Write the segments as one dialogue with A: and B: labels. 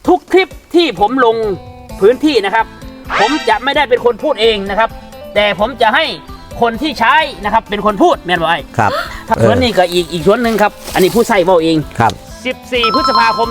A: ทุกคลิปที่ผมลงพื้นที่นะครับผมจะไม่ได้เป็นคนพูดเองนะครับแต่ผมจะให้คนที่ใช้นะครับเป็นคนพูดแม่นบ่ไอ้
B: ครับ
A: ส่วนนี้ก็อีกส่วนหนึ่งครับอันนี้ผู้ใส่เว้าเอง
B: ครับ
A: 14 พฤษภาคม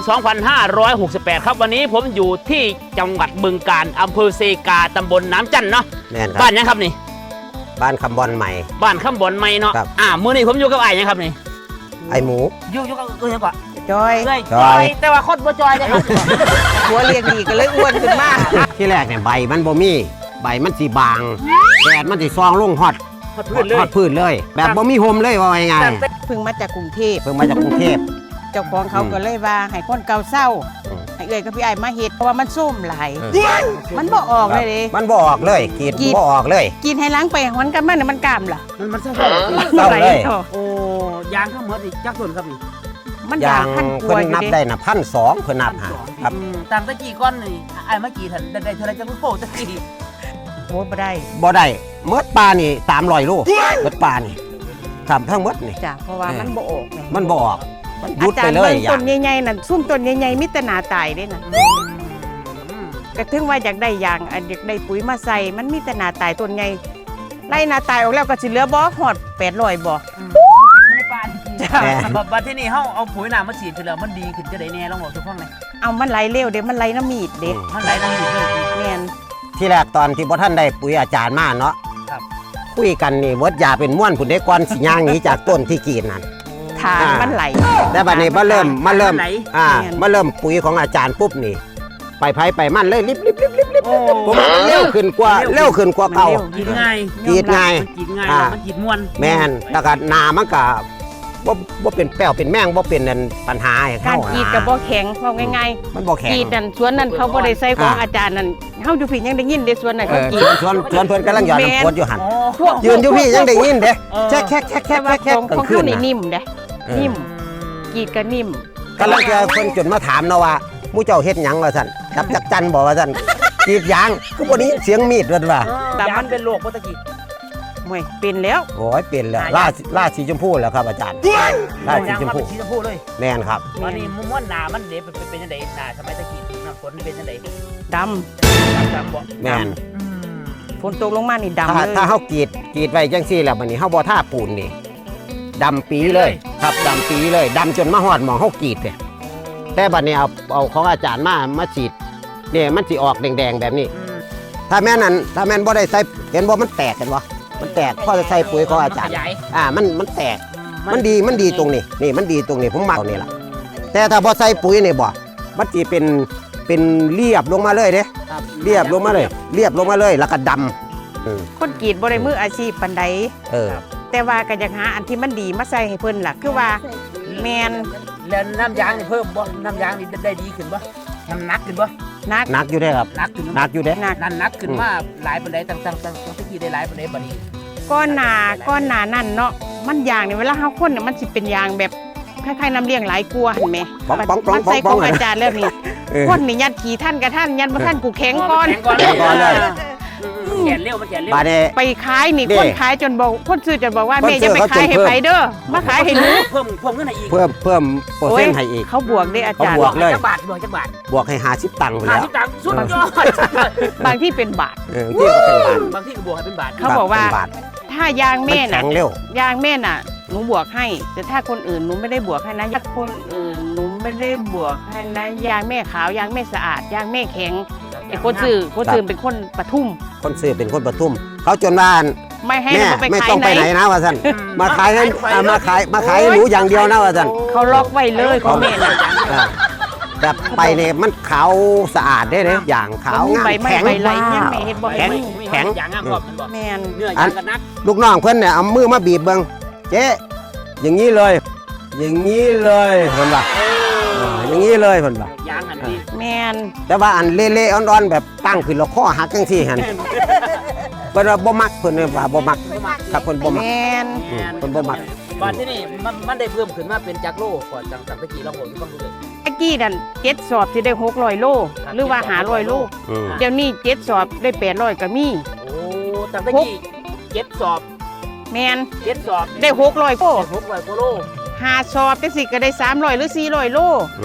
A: 2568 ครับวันนี้ผมอยู่ที่จังหวัดบึงกาฬอำเภอเซกาตำบลน้ำจันเนาะ
B: แม่นครับ
A: บ้านยังครับนี่
B: บ้านคำบอลใหม่
A: บ้านข้ามบอนไม่เนาะ
B: ครับ
A: มื้อนี้ผมอยู่กับไอ้ยังครับนี่
B: ไอหมู
A: อยู่กับยังก่อน
C: จอย
A: เลย
B: จอย
A: แต่ว่าคนบ่จอยนะครับ
C: หัวเรียงดีก็เลยอ้วนขึ้นมาก
B: ที่แรกเนี่ยใบมันบ่มีใบมันสีบางแดดมันสีซองลงฮอด
A: ฮอดพื้นเลย
B: ฮอดพื้นเลย แบบบ่มีโฮมเลยว่าง่าย
C: เพิ่งมาจากกรุงเทพ
B: ๆเพิ่งมาจากกรุงเทพ
C: เจ้าของเขาก็เลยว่าให้คนเก่าเศร้า
B: อืม
C: ให้เอ่ยกับพี่ไอ้มาเฮ็ดเพราะว่ามันส้มหลายมันบ่ออกเลยเด้
B: มันบ่ออกเลยกรีดบ่ออกเลย
C: กินให้ล้างไปมันกันมันน่ะมันกล้ามล่ะ
A: มันเศร้า
B: เศร้าเลย
C: โอ้
A: โอ้ยางทั้งหมดนี่จักส่วนครับนี่
C: มัน
B: อย่า
C: ด่าง
B: ง
C: พันก
B: เพิ่
C: ว่าน อยู่
B: นับ
C: เด้
B: ได้น่ะ1,200เพิ่นนับหาครับ
A: ต่างตะกี้ก้อนนี่ไอ้เมื่อกี้ท่านได้เท่าไรจังโป้ตะกี้
C: โอ้บ่ได้
B: บ่ได้เมดปลานี่300โลเมดปลานี่ครับทั้งหมดนี่
C: จ้ะเพราะว่ามันบ่ออกแ
B: มันบ่ออกมันหยุ
C: อา
B: ด
C: จา
B: ไป
C: รย์
B: เล
C: เบิ่
B: ย
C: ง
B: อย่า
C: ต้
B: ง
C: นใหญ่ๆนั่นซุ่มต้นใหญ่ๆมีแต่หน้าตายเด้น่ะก็ถึงว่าอยากได้ยางอันอยากได้ปุ๋ยมาใส่มันมีแต่หน้าตายต้นใหญ่ไล่หน้าตายออกแล้วก็สิเหลือบ่ฮอด800บ่
A: ในป่าจริง
C: จ้ะ
A: บัดที่นี่เฮาเอาปุ๋ยน้ำมาฉีดคือแล้วมันดีขึ้นจะได้แน่ลองบอกทุกคนเลย
C: เอามันไหลเร็วเด้มันไหลน้ำมีดเด้
A: มันไหลน้ำอยู่เลย
C: แม่น
B: ที่แรกตอนที่บ่ท่านได้ปุ๋ยอาจารย์มาเนาะ
A: ครับ
B: คุยกันนี่เวิร์ดยาเป็นม้วนผุนได้ก่อนสิย่างหนี้จากต้นที่กรีดนั่น
C: ทางมันไหล
B: แต่บัดนี้มาเริ่ม
C: แม่น
B: มาเริ่มปุ๋ยของอาจารย์ปุ๊บนี่ ไปไผไปมันเลยลิบๆ
A: โอ้
B: ผมเร็วขึ้นกว่าเก่า
A: กินง่าย
B: กรีดง่าย
A: มันกินง่าย
B: อ่า
A: มันกินม่วน
B: แม่นแล้วก็หนามันก็บ่เป็นแป้วเป็นแม่งบ่เป็นนั่นปัญหาให้
C: กา
B: เขา
C: รกรีดกับบ่แข็งเพราะง่าย
B: มันบ่
C: ๆ
B: แข็ง
C: กรีดนั่นสวนนั่นเขาบ่ได้ใส่ของ
B: อ่า
C: อาจารย์นั่นเฮาอยู่พี่ยังได้ยินเด้สวนนั่น
B: เอ
C: เขา
B: อก
C: รีด
B: ชวนเพิ่นกำลังหยอดน้ำกรดอยู่หั่น
A: อ๋อ
C: พวก
B: ยืนอยู่พี่ยังได้ยินเด้
A: เออ
B: แค่
C: แต่ว่าของ
B: กลา
C: ของ
B: งคื
C: เขา
B: น
C: นี่
B: น่ะ
C: นิ่มเด้
B: เออ
C: นิ่มกรีดก็นิ่ม
B: กำลังจะคนจนมาถามเนาะว่าหมู่เจ้าเฮ็ดหยังว่าซั่นจับจักจันบอกว่าซั่นกรีดยางคือบ่ได้ยินเสียงมีดเด้อว่า
A: แต่มันเป็นโรคปกติ
C: โอ้ยเป็นแล้ว
B: โอ้ยเปลี่ยนแล้ว
A: หายาก
B: ล่าสีชมพูแล้วครับอาจารย์ล่าสีชมพู
A: สีชมพูเลย
B: แม่นครับ
A: ตอนนี้ม้วนหนามันเด็เป็นยังไงหนาสมัยตะกี้น้ำฝนเป็นยังไง
C: ดำ
A: จำบอก
B: แม่น
C: ฝนตกลงมานี่ดำ
B: ถ้า
C: เลย
B: ถ้าเฮากรีดไว้จังซี่แล้วบัดนี้เฮาบ่ท่าปูนนี่ดำปีเลยครับดำปีเลยดำจนมาฮอดหมองเฮากรีดเนี่ยแต่บัดนี้เอาของอาจารย์มาฉีดเนี่ยมันสิออกแดงๆแบบนี้ ถ้าแม่นบ่ได้ใส่เห็นบ่มันแตกเห็นบ่มันแตกพอจะใส่ปุ๋ยของอาจารย์
A: ขยาย
B: มันแตก มันดีตรงนี้นี่มันดีตรงนี้ผมมักนี่ล่ะแต่ถ้าพอใส่ปุ๋ยนี่บ่มันสิเป็นเรียบลงมาเลยเด้เรียบลงมาเลยแล้วก็ดำ
C: คนกรีดบ่ได้มืออาชีพปานใด
B: เออ
C: แต่ว่าก็อยากหาอันที่มันดีมาใส่ให้เพิ่นล่ะคือว่าแม่น
A: แล้วน้ำยางนี่เพิ่มบ่น้ำยางนี่ได้ดีขึ้นบ่น้ำหนักขึ้นบ่
C: นัก
B: หนักอยู่เด้ครับ
A: หนักขึ้น
B: หนักอยู่เด้
C: หนัก
A: นั่นหนักขึ้นมาหลายปานใดต่างตะกี้ได้หลายปานใดบัดนี้
C: ก้อนหนานั่นเนาะมันยางนี่เวลาเฮาคนเนี่ยมันสิเป็นยางแบบคล้ายๆน้ำเลี้ยงหลายกลัวเห็นไหม
B: ป้อง
C: มันใส่ของอาจารย์แล้วนี่
B: เออ
C: คนนี่ยัดขี่ท่านกับท่านยัดบ่ท่านกูแข็งก่อน
A: แข็งก่อน
B: แข็งก่อนเลย
A: แขนเร็วมันแขนเร็ว
B: บาดนี้
C: ไปขายนี่
B: เด้
C: คนขายจนบอกคนซื้อจนบอกว่า
B: คน
C: แม่
B: ซื้
C: จะ
B: อ
C: ไป
B: เขา
C: ขาย
B: จน
C: ให้
B: เพิ่ม
C: ไผเด้อมาขายให้หนู
A: เพิ่มเงินให้อีก
B: เพิ่มเปอร์เซ็นต์ให้อีก
C: เขาบวกเด้อาจารย์
B: เขาบวก เลย
A: จักบาทจักบาท
B: บวกให้50ตังค์ไป
A: ห้า
B: แล้ว
A: สิบตังค์สุดยอด
C: บางที่เป็นบาท
B: ที่ก็เป็นบาท
A: บางที่ก็บวกให้เป็นบาท
C: เขาบอกว่า
B: เป็นบท
C: ถ้ายาง
B: มัน
C: แม่
B: แข็
C: น่ะ
B: งเร็ว
C: ยางแม่น่ะหนูบวกให้ แต่ถ้าคนอื่นหนูไม่ได้บวกให้นะยางคนอื่นหนูไม่ได้บวกให้นะยางแม่ขาวยางแม่สะอาดยางแม่แข็งไอ้คนซื้อเป็นคนปทุม
B: คนซื้อเป็นคนปทุมเขาจนว่า
C: ไม่ให้
B: แม่
C: เราไป
B: ไม่
C: ขาย
B: ต้อง
C: ไห
B: ไปไหน
C: น
B: นะว่าซั่นมาขายให้มาขายให้หนูอย่างเดียวนะว่าซั่น
C: เขาล็อกไว้เลยของแม่น่ะ
B: อ่าแบบไปเนี่ยมันขาวสะอาดได้เลยอย่างขาวงาม
C: ใบไม้
B: แข็ง
C: ใบไรยังไม่เห็นบ่
B: แข็ง แข็ง
A: อย่างงามกรอบมันบอก
C: แม่น
A: เนื้อยางกันนัก
B: ลูกน้องเพื่อนเนี่ยเอามือมาบีบเบิ้งเจ๊อย่างนี้เลย อย่างนี้เลยเพิ่นว่าอย่างนี้เลยเพิ่นว่าย
A: างหันดี
C: แม่น
B: แต่ว่าอันเละๆอ่อนๆแบบตั้งขึ้นแล้วข้อหักจังซี่หั่นเพิ่นว่าบ่มักเพิ่นว่าบ่มักครับเพิ่นบ่มัก
C: แม่น
B: เพิ่นบ่มัก
A: บ้านที่นี่มันได้เพิ่มขึ้นมาเป็นจากโลก่อนจากตะกี้เราบอกที่ฟังดูเลย
C: ไอ้กี้นั่น7 สอบสิได้600 โล หรือว่า500 โล
B: อืม
C: เดี๋ยวนี้7 สอบได้800ก็มี
A: โอ้จากตะกี้7 สอบ
C: แม่น
A: 7 สอบ
C: ได้600โล
A: 600กว่าโล
C: 5 สอบจังสิก็ได้300หรือ400 โล
B: อืม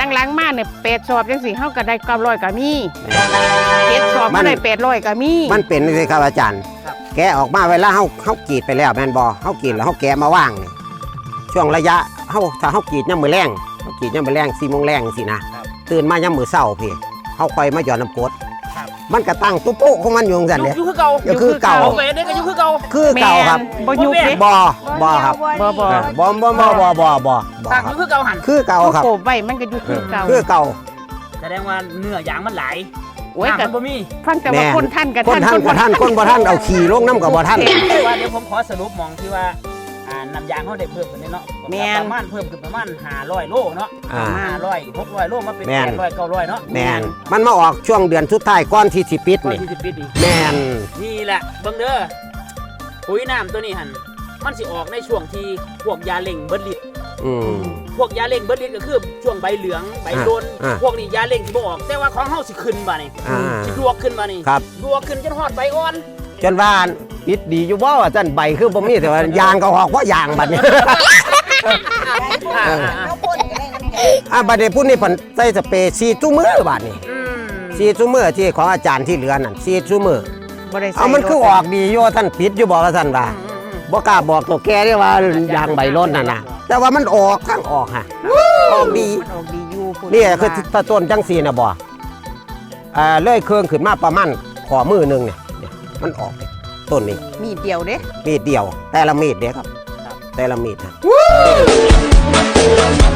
C: หลังๆมาเนี่ย8สอบจังซี่เฮาก็ได้900ก็มี7สอบ
B: มั
C: ก็
B: น
C: ได้800ก็มี
B: มันเป็นเลยครับอาจารย์
A: ครับ
B: แกะออกมาเวลาเฮากรีดไปแล้วแม่นบ่เฮากรีดแล้วเฮาแกะมาว่างนี่ช่วงระยะถ้าเฮากรีดยามมื้อแลงเฮากรีดยามมื้อแลง4 โมงแลงสินะครับ ตื่นมายามมื้อเช้าพี่เฮาค่อยมาหย่อนน้ำกรด
A: ครับ
B: มันก็ตั้งตุ๊บโป๊ะของมันอยู่จังซั่นเด้
A: อยู่คือเก่า
B: อยู่คือเก่า
A: เอาไปได้ก็อยู่คือเก่า
B: คือเก่าครับ
C: แม่นบ่ยุบเด้
B: บ่ครับ
C: บ่
B: บ่ค
A: ต่า
B: รั
A: งอบ ยู่คือเก่าหัน
B: คือเก่า
C: เอา
B: ครับ
C: โกบไว้มันก็อยู่คือเก่า
B: คือเก่า
A: แสดงว่าเนื้อยางมันไหล
C: โอ้ย
A: น้ำ
C: ก็
A: มันบ่มี
C: ฟังแต่ว่าคนท่านกับ
B: คนท่านกับท่านคนบ่ท่านเอาขี่ลงน้ำกับบ่ท่าน
A: แต่ว่าเดี๋ยวผมขอสรุปมองที่ว่าน้ำยางเขาได้เพิ่มขึ้นเนาะประมาณเพิ่มขึ้นประมาณ500 โลเนาะ
B: อ่า
A: 500 600 โลมาเป็น
B: แม่น
A: 800 900เนาะ
B: แมนมันมาออกช่วงเดือนสุดท้ายก่อนที่สิปิด
A: ก็
B: นี่
A: ที่สิบปีดี
B: แมน
A: นี่แหละเบิ่งเด้อปุ๋ยน้ำตัวนี้หันมันสิออกในช่วงที่พวกยาเล่งเบิดฤทธิ์
B: อืม
A: พวกยาเล่งเบิดฤทธิ์ก็คือช่วงใบเหลืองใบโดน
B: อ่า
A: พวกนี้ยาเล่งสิบ่ออก แต่ว่าของเฮาสิขึ้นบ่นี่
B: อ่า
A: สิลวกขึ้นบ่นี่
B: ครับ
A: ลวกขึ้นจนฮอดใบอ่อน
B: จนว่าปิดดีอยู่บ่ว่าจันใบคือบ่มีแต่ว่ายางก็ออกเพราะยางบัดนี้
D: เขาพ่นก็ได้น้ำแข็ง
B: บัดนี้ผู้นี้เพิ่นใส่สเปรย์ซีจุมือบัดนี้
A: อืม
B: ซีจุมือที่ของอาจารย์ที่เหลือนั่นซีจุมือ
C: บ่ได้ใส่
B: เอามันคือออกดีอยู่ท่านปิดอยู่บ่ว่าท่านว่าบ่กล้าบอกตัวแกได้ว่ายางใบล้นนั่นน่ะแต่ว่ามันออกทั้งออกฮะออกดี
C: มันออกดีอยู่พุ่
B: นี่คือถ้าต้นจังสีนะบ่เลื่อยเครื่องขึ้นมาประมาณขอมือหนึงเนี่ยมันออกต้นนี้
C: มีดเดียวเด้
B: มีดเดียว แต่ละมีดเด้ครับ แต่ละมีดนะ